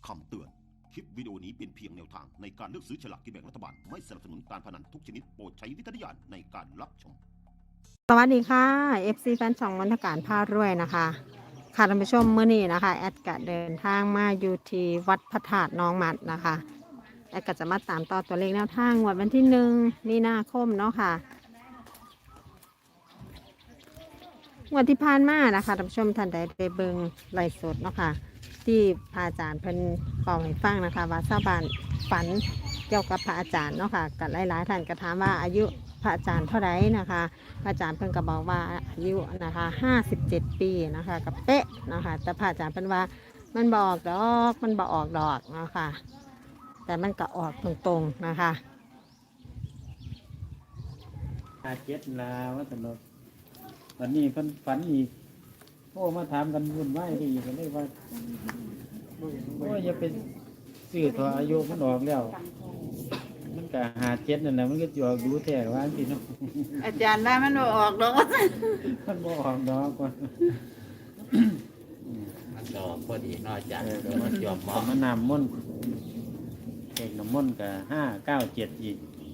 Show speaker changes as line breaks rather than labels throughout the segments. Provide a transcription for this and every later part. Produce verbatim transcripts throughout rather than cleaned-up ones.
คำเตือนคลิปวิดีโอนี้เป็นเพียงแนวทางในการเลือกซื้อฉลากกินแบ่งรัฐบาลไม่สนับสนุนการพนันทุกชนิดโปรดใช้วิจารณญาณในการรับชม
สวัสดีค่ะ เอฟ ซี แฟนช่องมนทการพารวยนะคะค่ะท่านผู้ชมเมื่อนี้นะคะแอดกะเดินทางมาอยู่ที่วัดพระธาตุน้องมัดนะคะแอดก็จะมาตามต่อตัวเลขแนวทางงวดวันที่หนึ่งมีนาคมเนาะค่ะงวดที่ผ่านมานะคะท่านผู้ชมท่านใดได้เบิ่งไลฟ์สดเนาะค่ะที่พระอาจารย์เพิ่นเป่าให้ฟังนะคะว่าชาวบ้านฝันเกี่ยวกับพระอาจารย์เนาะค่ะกับหลายๆท่านก็ถามว่าอายุพระอาจารย์เท่าไหร่นะคะพระอาจารย์เพิ่นก็บอกว่าอายุนะคะห้าสิบเจ็ดปีนะคะกับเป๊ะนะคะแต่พระอาจารย์เพิ่นว่ามันบออกดอกมันบออกดอกเนาะค่ะแต่มันก็ออกตรงๆนะคะ
อาเจ็ดลาว่าตลอดวันนี้เพิ่นฝันอีกโอ้มาถามกันวุ่นวายไปอีกก็เลยว่าโอ้ยอย่าไปซื้อตัวอายุมันออกแล้ว มันก็หาเจ็ดนั่นแหละมันก็จะออกดูแท้ว่าสิเนาะ
อาจารย์ว่ามันบ่ออกดอก
มันบ่ออกดอกว่า
มันก็พอดีเนอกจาก
เออ
ก็มันยอมเหมาะ
มันน้ำมนต์เอกน้ำมนต์ก็ห้าเก้าเจ็ดอีก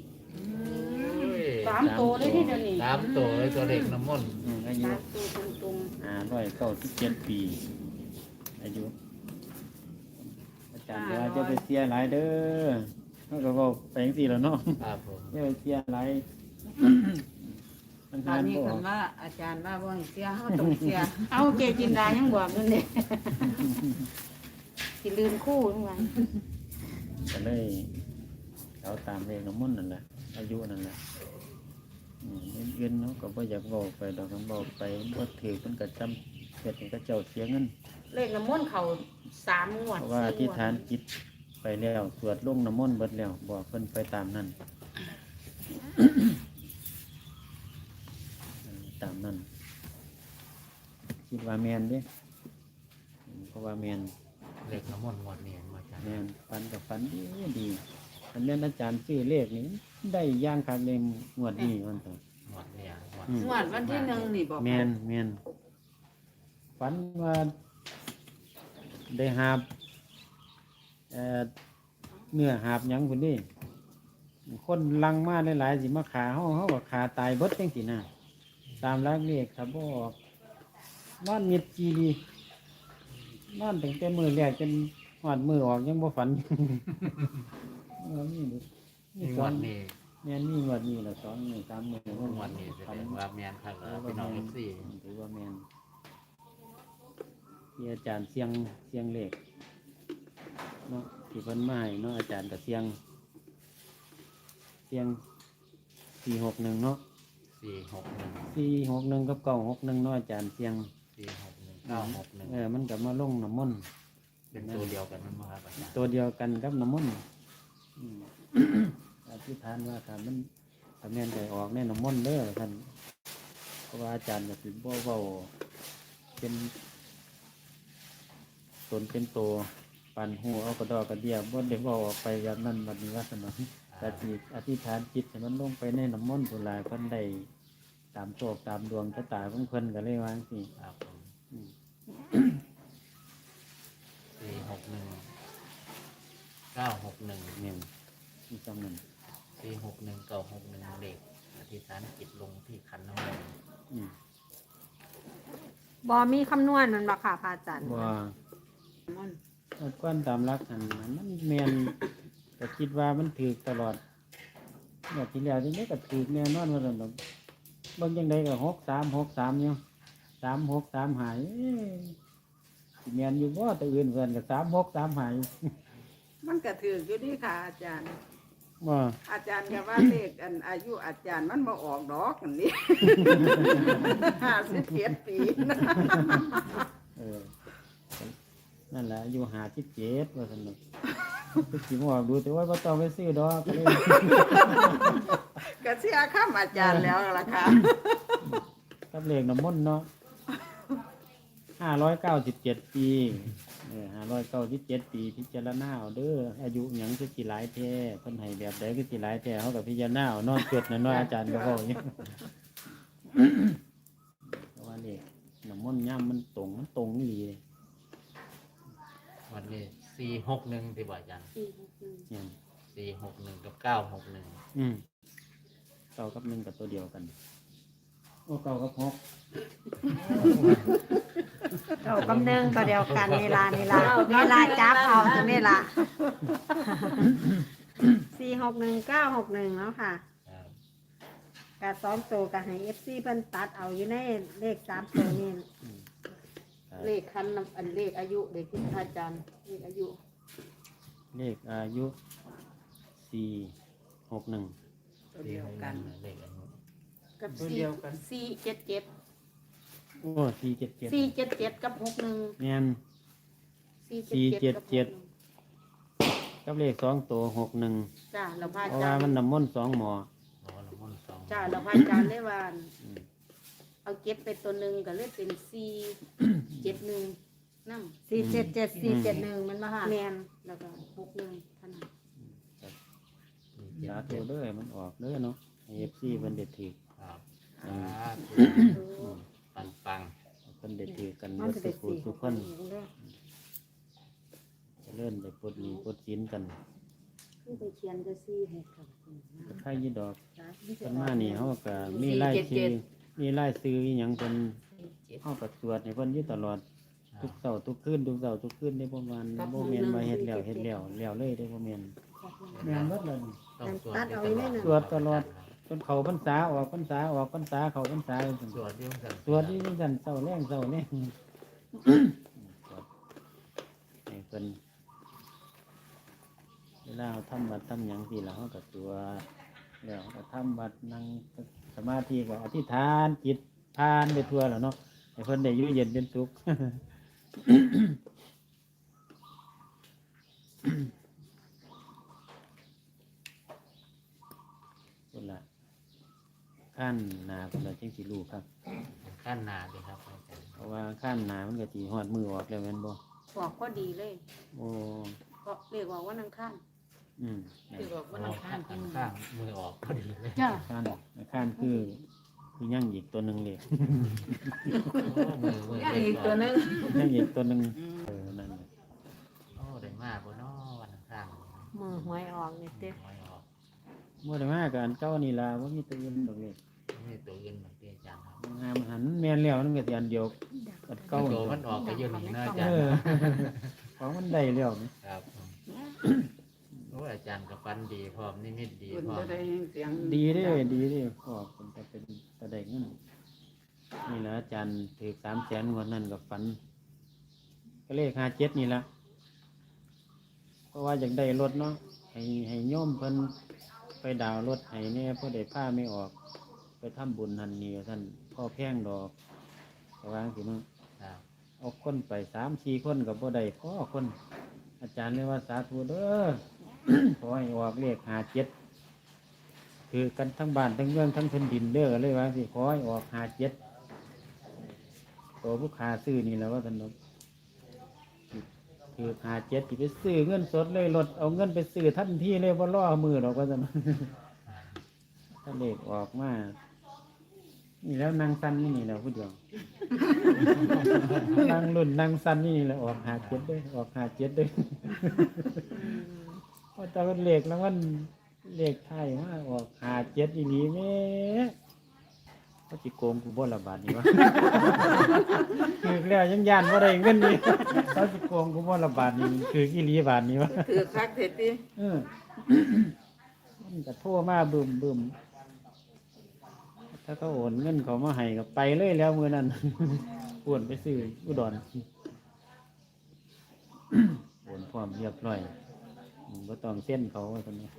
สามตัวเลยที่เดี๋ยวนี้
สามตัวเลยตัวเล็กน้ำมนต์
อืมอายุ
สามตัวตรง
ห้าร้อยเก้าสิบเจ็ดปี อายุ อาจารย์จะว่าจะไปเสียหลายเด้อเขาก็บอกไปจังซี่แล้วเนาะ
ครับผม
เดี๋ยวเสียหลายมัน
ๆตอ
หาน น
นี้
บ่
คันว่าอาจารย์ว่าบ่ให้เสียเฮาต้องเสีย เอาเกจินดายังบอกนั่นเด้ สิลืมคู่นั่นว่า
ก็เลยเอาตามเลขน้ำมนต์นั่นแหละอายุนั่นแหละอืมเงินเขาก็บ่อยากบอกไปดอกกันบอกไปบ่ถือมันก็จำเฮ็ดให้เขาเจ้าเสียเงิน
เลขน้ำมนต์เขาสามงวด
เพราะว่าอธิษฐานจิตไปแล้วสวดลงน้ำมนต์เบิดแล้วบอกเพิ่นไปตามนั้นตามนั้นคิดว่าแมนเด้อืมเพราะว่าแมน
เล็กน้ำมนต์งวดนี้มาจาก
แมนฝันกับฝันดีดีอันนี้อาจารย์ชื่อเลขนี้ได้ย่างคักเลยงวดนี้มันต่อง
วดเนี่ยงวด
อืม
งวดวันที่หนึ่งนี่บอก
แมนแมนฝันว่าได้หาบเอ่อเนื้อหาบหยังคนนี้คนลังมาหลายๆสิมาขาเฮาเฮาก็ขาตายเบิดจังซี่นะตามรักเลขครับบ่ออกนอนมิดจีดีนอนตั้งแต่มื้อแรกจนฮอดมื้อออกยังบ่ฝัน เออมีมี
นี่
ส
ง
อ
ว
น
ดนี้
แม่นมีงวดนี้ละสองมื้อสามมื้อง
วดนี้แสดงว่าแมนครับ
ถือ
พี่
ว่า
น้อง
แม่
เอน ฟซี
ถือว่าแม่นที่อาจารย์เสียงเสียงเลขเนาะที่เพิ่นมาให้เนาะอาจารย์ก็เสียงเสียงสี่หกหนึ่งเนาะ
สี่หกหนึ่ง
สี่หกหนึ่งกับเก้าหกหนึ่งเนาะอาจารย์เสียง
สี่หกหนึ่งเก้าหกหนึ่ง
เออมันกับมาลงน้ำมนต์
เป็นตัวเดียวกันนั่นมาครับอาจารย์
ตัวเดียวกันกับน้ำมนต์อืม อธิษฐานว่าถ้ามันถ้าแม่นใจออกในน้ำมนต์เด้อท่านเพราะว่าอาจารย์ก็สิบ่เว้าเป็นตนเป็นตัวปันหูเอากระดอกกระเดียบบ่ได้เว้าออกไปแบบนั้นบัดนี้ว่าสนองแต่ที่อธิษฐานจิตให้มันลงไปในน้ำมนต์พุ่นล่ะเพิ่นได้ตามโชคตามดวงชะตาของเพิ่นก็เลยว่าจังซี่
ครับผม
อืม
สี่หกหนึ่งเก้าหกหนึ่ง
แม่นมีจังนั้น
สี่หกหนึ่งเก้าหกหนึ่งเด็กอธิษฐานจิตลงที่ขันน้ำมนต์
อืม
บอมีคำนวณมันบ่ค่ะพระอาจารย์
ว่า
มัน
เอาก้อนตามรักอันนั้นมันแม่นก็คิดว่ามันถูกตลอดแบบที่แล้วที่นี้ก็ถูกแน่นอนว่าซั่นดอกเบิ่งจังไดก็หกสามหกสามอยู่สามหกสามหายเอ้ยสิแม่นอยู่บ่แต่อื่นเพิ่นก็สามหกสามหาย
มันก็ถืออยู่ดีค่ะอาจารย์
บ่
อาจารย์ก็ว่าเลขอันอายุอาจารย์มันบ่ออกดอกอันนี้ ห้าสิบเจ็ดปีนะ
เออนั่นแหละอายุห้าสิบเจ็ดว่าซั่นดอกคือสิบ่ออกดูแต่ว่าบ่ต้องไปซื้อดอกก็เลย
ก็เสียข้ามอาจารย์แล้วล่ะค่ะ
กับเลขน้ำมนต์เนาะห้าร้อยเก้าสิบเจ็ดปีเออห้าร้อยเก้าสิบเจ็ดปีพิจารณาเอาเด้ออายุหยังคือสิหลายแท้เพิ่นให้แบบใดคือสิหลายแท้เฮาก็พิจารณาเอานอนเกิดน่ะเนาะอาจารย์ก็เว้าอย่างนี้ เพราะว่าเลขน้ำมนต์ย่ํมันตรงมันตรงอีหลีเลย
วันนี้สี่หกหนึ่งที่บอกอาจารย์
สี่หกหนึ่ง
เนี่ย
สี่หกหนึ่งกับเก้าหกหนึ่ง
อืมเก้ากับหนึ่งกับตัวเดียวกันโอ้เก้ากับหก
เก้ากับหนึ่งตัวเดียวกันนี่ล่ะนี่ล่ะนี่ล่ะจับเอาตรงนี้ล่ะสี่หกหนึ่งเก้าหกหนึ่งแล้วค่ะ
ครับ
กาซ้อมโตกับให้เอฟซีเพิ่นตัดเอาอยู่ในเลขสามตัวนี้
เลขคันนำอันเลขอายุเด็กที่อาจารย์เลขอายุ
เลขอายุสี่หกหนึ่ง
ตัวเดียวกัน
เลขอันนี้
กับ
ตัว
สี่
เดียวกัน
สี่เจ็ดเจ็ด
โอ้สี่เจ็ดเจ็ด
สี่เจ็ดเจ็ดกับหกหนึ่ง
แม่น
สี่เจ็ดเจ็ด
กับเลขสองตัวหกหนึ่ง
จ้าเราพา
เพราะ
อาจา
ว่าร
ย์
มันน้ำมนต์สองหมอ
รอละมุนสอง
จ้าเราพาอาจารย์เลยว่า
อืม
เอาเก็บไปตัวหนึ่งก็เลยเป็นสี่เจ็ดหนึ่งนั่
สี่เจ็ดเจ็ดสี่เจ็ดหนึ่งมันมาค่ะ
แมนแล้วก็หกหนึ่งเท่านั้น
สาธุเด้อมันออกเด้อเนาะเอฟซีเพิ่นเด็ดถือ
ครับ
อืม
ปังปัง
เพิ่นเด็ดถือกัน
มั
เบิ
น
ด
จะ
สุ
เป็น
ขุ
สี่
ทุก
ห
ค
ก
น
หนึ่งเด้อ
จะเลื่อนได้ปลดหนี้ปลดสินกัน
นี่ไปเขียนจะสี่หกครับ
ใครยี่ดอก
จ้า
เพิ่นมานี่เฮาก็มีรายชื่อมีรายชื่ออีหยังเพิ่นเฮาก็ตรวจให้เพิ่นอยู่ตลอดทุกเช้าทุกคืนทุกเช้าทุกคืนได้ประมาณบ่แม่นว่าเฮ็ดแล้วเฮ็ดแล้วแล้วเลยได้บ่แม่นแม่นเบิดเลย
ต้องสวดอยู่ตลอด
สวดตลอด จนเข้าพรรษาออกพรรษาออกพรรษาเข้าพรรษาจัง
สวดอยู่กัน
สวดนี่จังเช้าแรงเช้าแรงสวดให้เพิ่นเวลาเราทำบัดทำหยังสิล่ะเฮาก็สวดแล้วก็ทำบัดนั่งสมาธิก็อธิษฐานจิตทานไปทั่วแล้วเนาะให้เพิ่นได้อยู่เย็นเป็นสุข คนละขั้นหนาคนละจังสิรู้ครับ
ขั้นหนาเลยครับอาจารย์
เพราะว่าขั้นหนามันก็สิฮอดมือออกแล้วแม่นบ่
บอกก็ดีเลย
โอ้
ก็เรียกว่าวันอังคาร
อืม
เรียกว่าวันอังคาร
ข้างข้างมือออกพอดีเลย
จ้า
ขั้นขั้นคือคือยังอีกตัวหนึงเลย
มือมือ
อีกตัวหนึง
ยังอีกตัวหนึงเออนั่นน่ะ
โอ้ได้มากบนน้อวันข้าง
มือหวยออกนี่เต้
น้อยออก
บ่ได้มากับอันเก่านี่ล่ะบ่มีตัวอื่นดอกเลย
นี่ตัวอื่นเหมือนที่อาจารย์ครับ
มันงามหันแม่นแล้วมันก็สิอันเดียวอันเก่า
ตัว
นี่
มันออกไปเยอะนี่นะอาจา
เอ
รย์
อ ของมันได้แล้วนี่
ครับโอ้อาจารย์กับฟันดีพร้อมนิมิตดี
คุณ
พร้อ
จะ
ม
ได้เสียง
ดีเด้ดีเด้ก็เป็นแต่เป็นตะได้เงินนี่ล่ะอาจารย์ถือสามแสนงวดนั้นก็ฝัน ก็เลขห้าเจ็ดนี่ละเพราะว่าอยากได้รถเนาะให้ให้โยมเพิ่นไปดาวน์รถให้เนี่ยเพื่อได้ผ้าไม่ออก ไปทำบุญนันนี่ท่านพ่อแพงดอกระวางสิเนาะ
ครับ
เอาคนไปสามสี่คนกับบ่ได้พ่อคน อาจารย์เลยว่าสาธุเด้อ ขอให้ออกเลขห้าเจ็ดคือกันทั้งบ้านทั้งเมืองทั้งแผ่นดินเด้อเลยว่าสิขอให้ออกห้าเจ็ดตัวผู้ค้าซื้อนี่แหล้วว่าท่านเนาะ คือหาเจ็ดที่ไปซื้อเงินสดเลยลดเอาเงินไปซื้อทันทีเลยว่าล่อมือหรอกว่าจะ ถ้าเลขออกมา นี่แล้วนางสันนี่นี่แหล้วผู้เดียว นางรุ่นนางสันนี่นี่แหละออกหาเจ็ดด้วยออกหาเจ็ดด้วยพอตอนเลขแล้วมันเลขไทยว่าออกหาเจ็ดอีนี้แม่เขาจิโกงกูบ่ละบาทนี่วะ คือแล้วยังยานว่าได้เงินนี่ เขาจิโกงกูบ่ละบาทนี่คืออีหลีบาทนี่วะ
ถือคักเถิดติ
เออ มันก็โทรมาบึมบึมถ้าเขาโอนเงินเขามาให้ก็ไปเลยแล้วมือนั้น โอนไปซื้ออุดร โอนพร้อมเรียบร้อยก็ต้องเส้นเขาว่าตอนนี้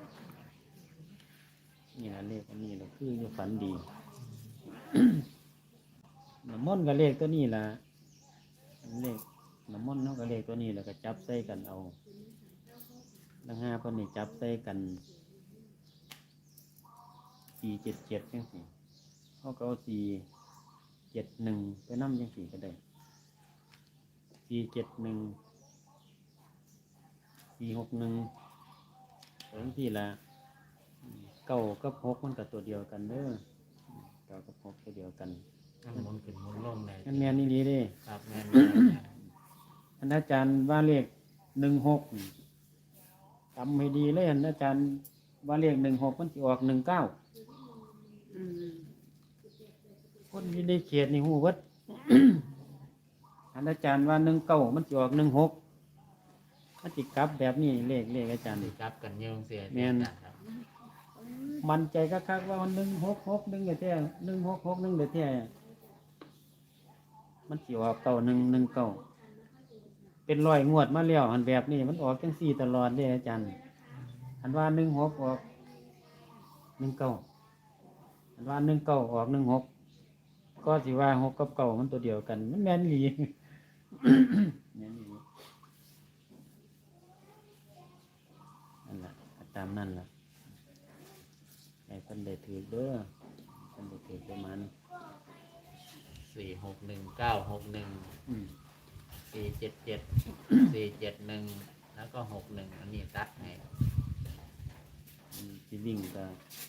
นี่นะเลขอันนี้เราคือจะฝันดี น้ำมนต์กับเลขตัวนี้ล่ะเลขน้ำมนต์เขากับเลขตัวนี้แล้วก็จับใส่กันเอาแล้วห้าคนนี่จับใส่กันสี่เจ็ดเจ็ดยังสี่เขาก็เอาสี่เจ็ดหนึ่งไปนั่งยังสี่ก็ได้สี่เจ็ดหนึ่งสี่หกหนึ่งสองที่ละเก้ากับหกมันกับตัวเดียวกันเด้อเก้ากับหกตัวเดียวกัน
มันหมุนขึ้นหมุนลงเลย
นั่นแม่นนี่ดีเด้
ครับแม่น
ท่านอาจารย์ว่าเลขหนึ่งหกจำให้ดีเลยอาจารย์ว่าเลขหนึ่งหกมันจะออกหนึ่งเก้า
อืม
คนที่ได้เขียนนี่หูวัด อาจารย์ว่าหนึ่งเก้ามันจะออกหนึ่งหกมันจิกลับแบบนี้เลขเลขอาจารย์
สิ
นี่
กลับกันเยงเสีย
แม่น
อาจารย์ครับ
มันใจคักๆว่ามันหนึ่งหกหกหนึ่งเดือแท้หนึ่งหกหกหนึ่งเดือแท้มันสิออกเก้าหนึ่งหนึ่งเก้าเป็นร้อยงวดมาแล้วอันแบบนี้มันออกจังสี่ตลอดเลยอาจารย์อันว่าหนึ่งหกออกหนึ่งเก้าอันว่าหนึ่งเก้าออกหนึ่งหกก็สิว่าหกกับเก้ามันตัวเดียวกันมันแม่นอีหลี แม่นอีหลีนั่นแหละตามนั่นแหละให้เพิ่นได้ถือเด้อเพิ่นได้ถือประมาณ
สี่หกหนึ่งเก้าหกหนึ่ง
อืม
สี่เจ็ดเจ็ดสี่เจ็ดหนึ่งแล้วก็หกหนึ่งอันนี้ตัดให้
อืมสิวิ่งก็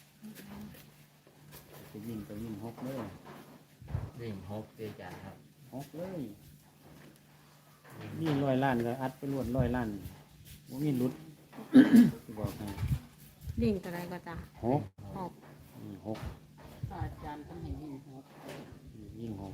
สิวิ่งก็วิ่งหกเลย
วิ่งหกสิอาจารย์ครับ
หกเลย
วิ่ง
นี่ร้อยล้านก็อัดไปรวดร้อยล้านบ่มีหลุด สิบอกให้
วิ่งตัวใดก็จ้ะ
หก
หก
อืมหก
อาจารย์ต้องให้วิ่งหก
อืมยิ่งหก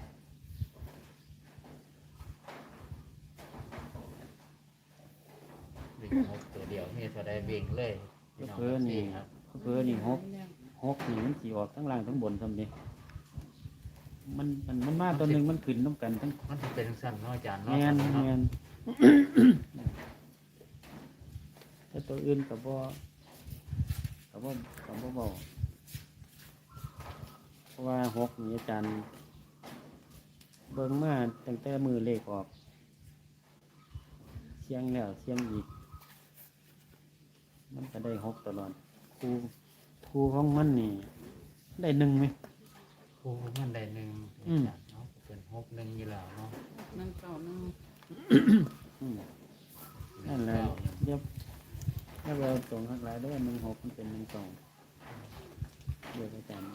วิ่งหกตัวเดียวนี่พอได้วิ่งเลยพี่น้อง
เพิ่นนี่
ครับ
เพิ่นนี่หกหกนี่มันสิออกทั้งล่างทั้งบนทำนี่มันมันมันมาตัวหนึงมันขึ้นน้ำกันทั้ง
มันจะเป็นสั้นเนาะอาจารย์
แม
เนาะ
น
เนาะ
แมน แต่ตัวอื่นกับบ่กับบ่กับบ่เบาเพราะว่าหกนี่อาจารย์เบิ่งมาตั้งแต่มือเลขออกเสียงแล้วเสียงอีก มันก็ได้หกตลอดครูครูของมันนี่ ได้หนึ่งไหม
ครูมันได้หนึ่ง
อืม
อาจารย์เนาะเป็นหกหนึ่งอยู่แล้วเนาะ
หนึ่งเก้าหนึ่ง
อืมนั่นแหละเดี๋ยวถ้าเราตรงข้างหลายได้หนึ่งหกมันเป็นหนึ่งสองเดี๋ยวอาจารย์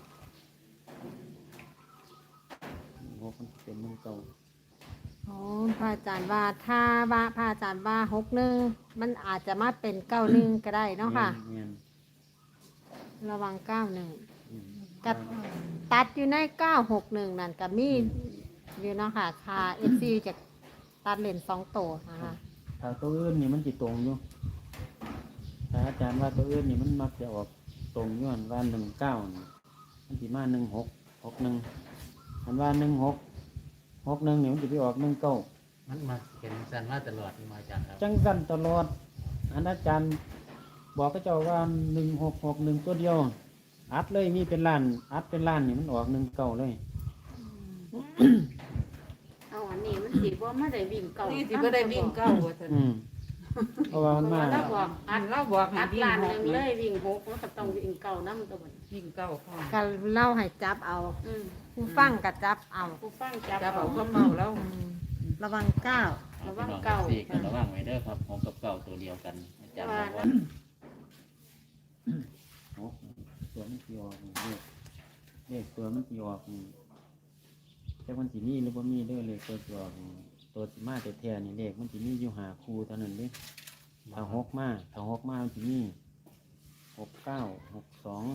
หนึ่งหกมันเป็นหนึ่งสอง
โอ้พระอาจารย์ว่าถ้าว่าพระอาจารย์ว่าหกหนึ่งมันอาจจะมาเป็นเก้าหนึ่งก็ได้เนาะค่ะ
เงียน
ระวังเก้าหนึ่ง
ๆอืม
กับตัดอยู่ในเก้าหกหนึ่งนั่นกับมีอยู่เนาะค่ะคาเอฟซีจะตัดเลนสองตัวนะคะ
ถ้าตัวอื่นนี่มันจิตรงอยู่ถ้าอาจารย์ว่าตัวอื่นนี่มันมักจะออกตรงย้อนว่าหนึ่งเก้านี่มันจิมาหนึ่งหกหกหนึ่งมันว่าหนึ่งหกหกหนึ่งนี่มันจะไปออกหนึ่งเก้า
มันมาเป็นสั้นมาตลอดนี่มาอาจารย์ครับ
จังสั้นตลอดอันอาจารย์บอกก็เจ้าว่าหนึ่งหกหกหนึ่งตัวเดียว อัดเลยมีเป็นล้าน อัดเป็นล้านนี่มันออกหนึ่งเก้าเลย
เอาอันนี้มันสิบ่มาได้วิ่งเก้า
นี่
นี่
สิบ่ได้วิ่งเก้าว่าซั่น
อืมเพราะว่ามันมา
เราบอก
อั
อั
น
ด
เราบอกให้
อัด
วิ่ง
ล้าน
ห
ห
ก
นึ่งเลยวิ่งหกมันก็ต้องวิ่งเก้าน้ำตัวมัน
วิ่งเก้าพ่อ
ก็เล่าให้จับเอา
อืม
ผู้ฟังกับจับเอา
ผู้ฟังจับ
จับ
เอา
เอาก็เมาแล้ว
อืมระวังเก้า
ระวัง
พี่น้อ
เก้า
สี่กันระวังไว้เด้อครับหกกับเก้าตัวเดียวกันอาจารย์บอกว่า
โอ้ตัวมันสีออกนี่เลขเลขตัวมันสีออกนี่แต่มันสีมีหรือว่ามีเด้อเลขตัวสีออกนี่ตัวสีมาแต่แท้ๆนี่เลขมันสีมีอยู่หาคู่เท่านั้นเด้ถ้าหกมาถ้าหกมามันสีมีหกเก้าหกสอง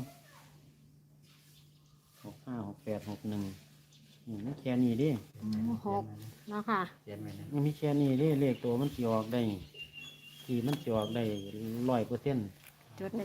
หกห้าหกแปดหกหนึ่งนี่มันแค่นี้เด้
หกเนาะค่ะ
เขียนไว้นะ
มันมีแค่นี้เด้เลขตัวมันสีออกได้ที่มันสีออกได้ร้อยเปอร์เซ็นต์
จุดหนึ่ง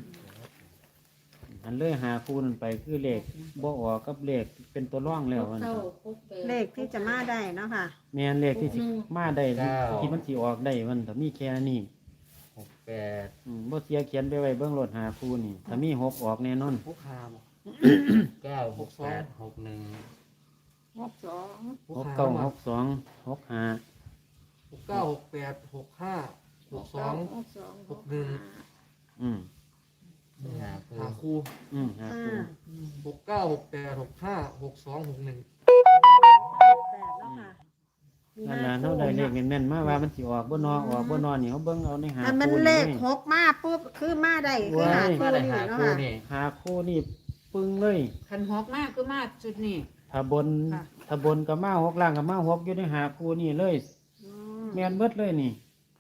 อันเลยหาคู่นั่นไปคือเลขบ่ออกกับเลขเป็นตัวร่องแล้วมัน
เก้าหกแปด
เลขที่จะมาได้เนาะค่ะ
แม่นเลขที่สิมาได้ที่มันสิออกได้มันถ้ามีแค่นี้
หกแปด
อืมบ่เสียเขียนไปไว้เบื้องรถหาคู่นี่ถ้ามีหกออกแน่นอน
ผู้คาม
เก้าหกแปดหกหนึ่ง
หกสอง
หกเก้าหกสองหกห้า
หกเก้าหกแปดหกห้าหกสอง
หกสอง
หกหนึ่ง
อืม
หาคู่
หาคู่
อืมหาคู่
หกเก้าหกแปดหกห้าหกสองหกหนึ่ง
แปดเนาะค่ะมี
นั่น
ห้า
ล่ะเฮาได้เลขแม่นๆมาว่ามันสิออกบ่นอออกบ่นอนี่เฮาเบิ่งเอาในหา
อันมัน
คู่
เล
นี่
ขหกมาปุ๊บคือมาได้คือหา
มา
คู่
ได้
นี่
หา
เนาะ
คู่
ค่ะ
นี่
หาคู่นี่ปึ้งเลย
คันหกมากคือมากจุดนี้
ถ้าบน
ค่ะ
ถ้าบนก็มาหกล่างก็มาหกอยู่ในหาคู่นี่เลย
อืม
แม่นเบิดเลยนี่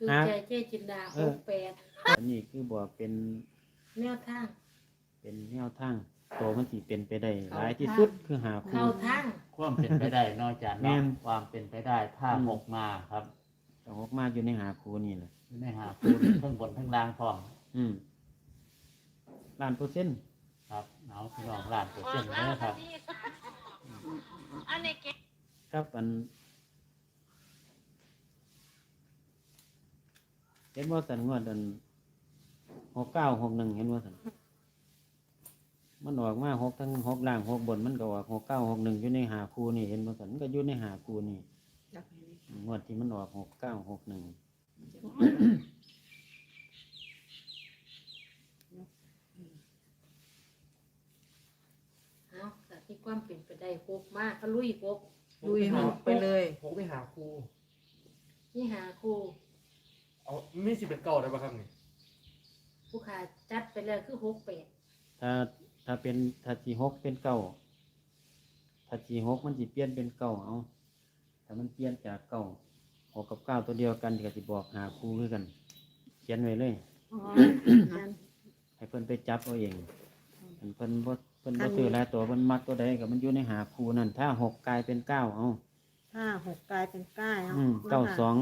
คือ
ฮะ
ใจเจ๊จินดา
เอ
ห
อ
กแปด
อันนี้คือบอกเป็น
แนวทาง
เป็นแนวทางโตมันสิเป็นไปได้หลายที่สุดคือหาคู่
เข้าทาง
ความเป็นไปได้นอกจาก
แม่
เนาะ
น
ความเป็นไปได้ถ้า
อืม
หกมาครับ
ก็ออกมาอยู่ในหาคู่นี่แหละ
อยู่ในหาคูทั้งบนทั้งล่างพร้อม
อืมล้านเปอร์เซ็นต์
ครับเอาพี่น้องล้านเปอร์เซ็นต์เลยครับ
ครับอันเห็นว่าสันงวดอันหกเก้าหกหนึ่งเห็นว่าสันมันออกมาหกทั้งหกล่างหกบนมันก็ออกหกเก้าหกหนึ่งอยู่ในหาคูนี่เห็นว่าสันมันก็อยู่ในหาคูนี่งวดที่มันออกหกเก้าหกหนึ่ง
เอาแต่ที่ความเป็นไปได้หกมากก็ลุยหก
ลุยหกไปเลย
ผมไปหาครู
นี่หาครู
เอามีสิบเป็นเก่าได้ปะครับนี่
ผู้ขาจัดไปแล้วคือหกแปด
ถ้าถ้าเป็นถ้าจีหกเป็นเก้าถ้าจีหกมันจีเปลี่ยนเป็นเก้าเอาถ้ามันเปลี่ยนจากเก้าหกกับเก้าตัวเดียวกันก็จะบอกหาคู่คือกัน เขียนไว้เลย
อ๋อนั่น
ให้เพิ่นไปจับเอาเองอันเพิ่นบ่เพิ่นบ่ซื้อหลายตัวเพิ่นมักตัวใดก็มันอยู่ในหาคู่นั่นถ้าหกกลายเป็นเก้าเอา
ห้าหกกลายเป็นเก้า
อืมเก้าสอง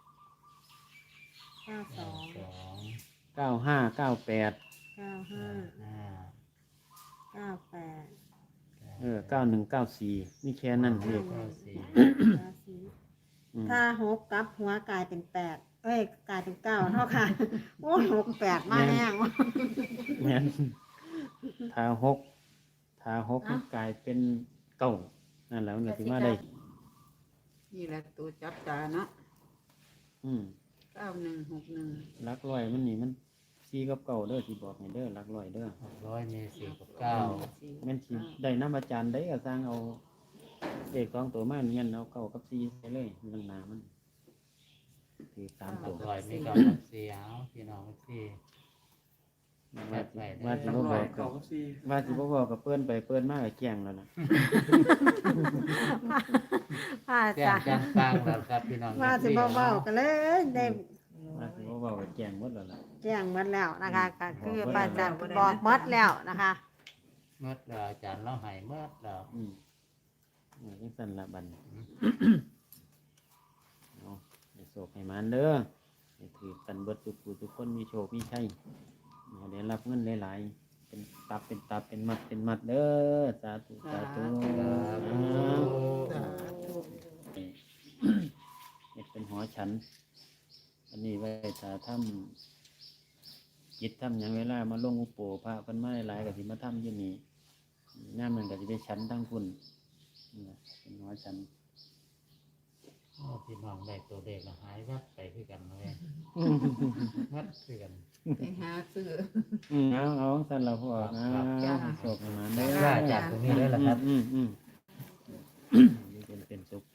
เก้าสอง
สอง
เก้าห้าเก้าแปด
เก้าห้า
ห้า
เก้าแปด
เออเก้าหนึ่งเก้าสี่นี่แค่นั้นเอง
เก้าสี่
เก้าสี่
อืม
ถ้าหกกลับหัวกลายเป็นแปดเอ้ยกลายเป็นเก้าเท่าค่ะ โอ้ยหกแปดมาแห้ง
แม่นถ้าหกถ้าหกมันกลายเป็นเก้านั่นแหละมันก็สิมาได้
นี่แหละตัวจับตาเนาะ
อืม
เก้าหนึ่งหกหนึ่ง
หลักร้อยมันนี่มันสี่กับเก้าเด้อสิบอกให้เด้อหลักร้อยเด้อ
หกร้อยมีสี่กับเก้า
แม่นสิได้น้ำอาจารย์ได้ก็สร้างเอาเลขสองตัวมาเนียนเอาเก้ากับสี่ไปเลยมันหนามันถือสาม
ห
ตัว
กร้อยมีเก้ากับสี่เอาพี่น้องสี่
ว่าสิว่าสิบ่บ
ร้อ
อย กกั
เก่า
บ
กับสี่
ว่าสิบ่บอกกับเปิ้นไปเปิ้นมากกับแจ้งแล้วนะ
ว่า
แจ้ง
จ้ะ
จังฟังแล้วครับพี่น้อง
ว่าสิเบาๆกันเลยได้
ว่าสิบ่บอกกับแจ้งหมดแล้วล่ะ
แจ้งหมดแล้วนะคะก็คือป้าจันบอกหมดแล้วนะคะ
เมื่อเราอาจารย์เราให้เมื่อเรา
อืมนี่จังซั่นละบัดนี้เอาให้โชคให้มันเด้อให้ถือกันเบิดทุกผู้ทุกคนมีโชคมีชัยให้ได้รับเงินหลายๆเป็นตับเป็นตับเป็นมัดเป็นมัดเด้อสาธุสาธุ
สาธุ
เฮ็ดเป็นหอฉัน อันนี้ไว้ถ้าทำจิตทำอย่างเวลามาลงอุปโภพระเพิ่นมาหลายๆก็สิมาทำอยู่นี่ย่ามมันก็สิไปฉันทั้งคุณนี่ล่ะเป็นหอฉัน
โอ้พี่น้องได้ตัวเลขแล้วหายวับไปคือกันเลยวัดคือกัน
ไปหาซื้อ
อืมเอาเอาสั่นเราพอ
ครั
เอา
บ
จ้า
โชคให้มัน
ได้
เด้อ
ว่าจากตรงนี้เลยล่ะครับ
อืมอืมอืมอยู่เป็นเป็นสุข